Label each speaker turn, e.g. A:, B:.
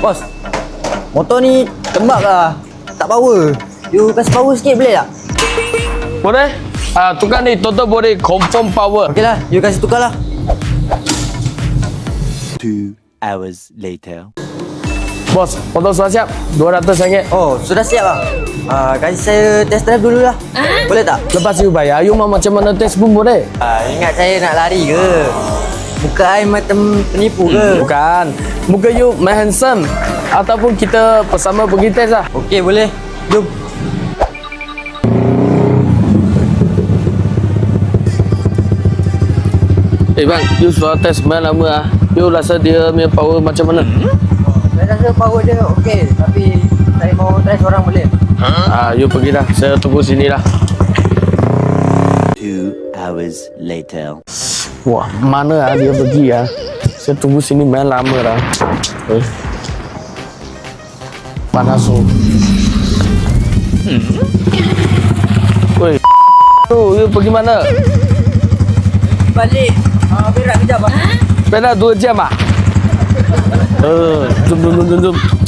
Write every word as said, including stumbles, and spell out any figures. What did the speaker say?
A: Bos, motor ni tembak lah. Tak power. You kasih power sikit boleh tak?
B: Boleh? Ah, tukar ni, total boleh confirm power.
A: Okey lah, you kasih tukar lah.
C: Two hours later.
B: Bos, motor sudah siap. dua ratus ringgit.
A: Oh, sudah siap lah. Uh, kasih saya test drive dulu lah. Boleh tak?
B: Lepas you bayar, you mau macam mana test pun boleh.
A: Uh, ingat saya nak lari ke? Muka saya macam penipu ke?
B: Bukan. Muka you main handsome. Ataupun kita bersama pergi test lah.
A: Okey, boleh. Jom.
B: Eh bang, you sudah test main lama lah. You rasa dia punya power macam mana?
A: Saya rasa power dia okey. Tapi saya mau try seorang boleh?
B: Ah, you pergi dah. Saya tunggu sini lah.
C: Two hours later.
B: Wah, mana lah dia pergi ya? Saya tunggu sini main lama dah. Eh. Panas tu. Woi. Tu, you pergi mana?
A: Balik. Ah, uh, berak kejap ah.
B: Pernah dua jam ah? Eh, jom jom jom jom.